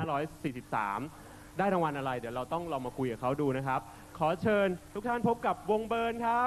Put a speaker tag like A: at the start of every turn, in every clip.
A: 2543 ได้รางวัลอะไรเดี๋ยวเราต้องลองมาคุยกับเขาดูนะครับขอเชิญทุกท่านพบกับวงเบิร์นครับ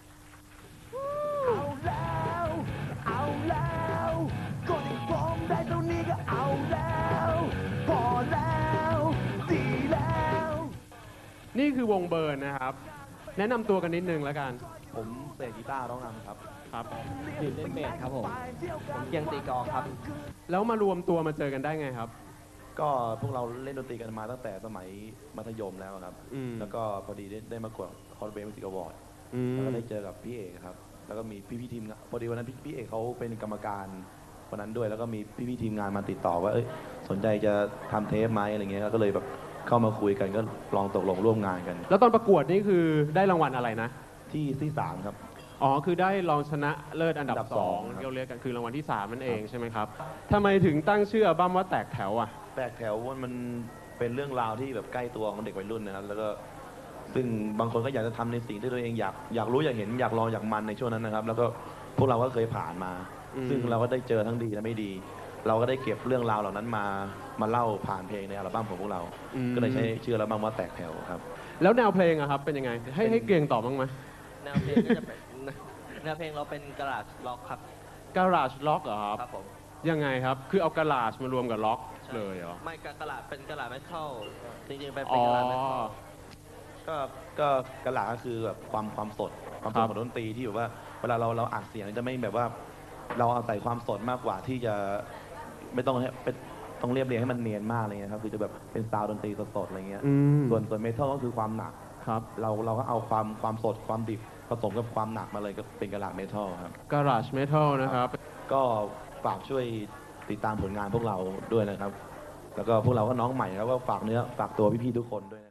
B: เอาแล้วเอาแล้วก็ได้ฟ้องได้เท่านี้ก็เอาแล้วพอแล้วดีแล้ว
A: นี่คือวงเบิร์นนะครับแนะนำตัวกันนิดนึงแล้วกัน
C: ผมเสกกีตาร์ร้องนำครับ
A: ครับ
D: ดินเล่นเบสครับผมเกียงตีกลองครับ
A: แล้วมารวมตัวมาเจอกันได้ไงครับ
C: ก็พวกเราเล่นดนตรีกันมาตั้งแต่สมัยมัธยมแล้วครับ แล้วก็พอดีได้มากดคอร์ดเบสมิวสิกอวอร์ดแล้วก็ได้เจอกับพี่เอกครับ แล้วก็มีพี่ทีมงานพอดีวันนั้นพี่เอกเขาเป็นกรรมการวันนั้นด้วย แล้วก็มีพี่ทีมงานมาติดต่อว่าสนใจจะทำเทปไหมอะไรเงี้ย ก็เลยแบบเข้ามาคุยกันก็ลองตกลงร่วมงานกัน
A: แล้วตอนประกวดนี่คือได้รางวัลอะไรนะ
C: ที่สามครับ
A: อ๋อ คือได้รองชนะเลิศอันดับ
C: อันดับ
A: 2
C: สองครับ
A: ที่เราเรียกกันคือรางวัลที่ 3 นั่นเองใช่ไหมครับทำไมถึงตั้งชื่ออัลบั้มว่าแตกแถวอ่ะ
C: แตกแถวมันเป็นเรื่องราวที่แบบใกล้ตัวของเด็กวัยรุ่นนะครับ แล้วก็ซึ่งบางคนก็อยากจะทำในสิ่งที่ตัวเองอยากรู้อยากเห็นอยากลองอยากมันในช่วงนั้นนะครับ แล้วก็พวกเราก็เคยผ่านมา ซึ่งเราก็ได้เจอทั้งดีและไม่ดี เราก็ได้เก็บเรื่องราวเหล่านั้นมาเล่าผ่านเพลงในอัลบั้มของพวกเรา ก็เลยใช้ชื่ออัลบั้มว่าแตกแถวครับ
A: แล้วแนวเพลงอะครับเป็นยังไงให้เกรียงตอบบ้างไหม
D: แนวเพลงก็จะเป็นแนวเพลงเราเป็นกระดาษล็อกครับ
A: Garage Rock เหรอครับ
D: ครับผม
A: ยังไงครับ คือเอาก a ลา e มารวมกับล็อกเลยเหรอ
D: ไม่กระดาษเป็นกระดาษไม่เข้าจริงๆเป็น
A: อ๋อก
D: ระดาษไม่เข้า
C: ก็กระหลาก็คือแบบความสดของดนตรีที่แบบว่าเวลาเราอัดเสียงจะไม่แบบว่าเราเอาใส่ความสดมากกว่าที่จะไม่ต้องให้ต้องเรียบเรียงให้มันเนียนมากอะไรเงี้ยครับคือจะแบบเป็นซาวด์ดนตรีสดๆอะไรเงี้ย ส่วนเมทัลก็คือความหนัก
A: ครับ
C: เราก็เอาความสดความดิบผสมกับความหนักมาเลยก็เป็นกระหลาเมทัลครับ
A: Garage Metal นะครับ
C: ก็ฝากช่วยติดตามผลงานพวกเราด้วยนะครับ แล้วก็พวกเราก็น้องใหม่แล้วก็ฝากเนื้อฝากตัวพี่ๆทุกคนด้วยนะ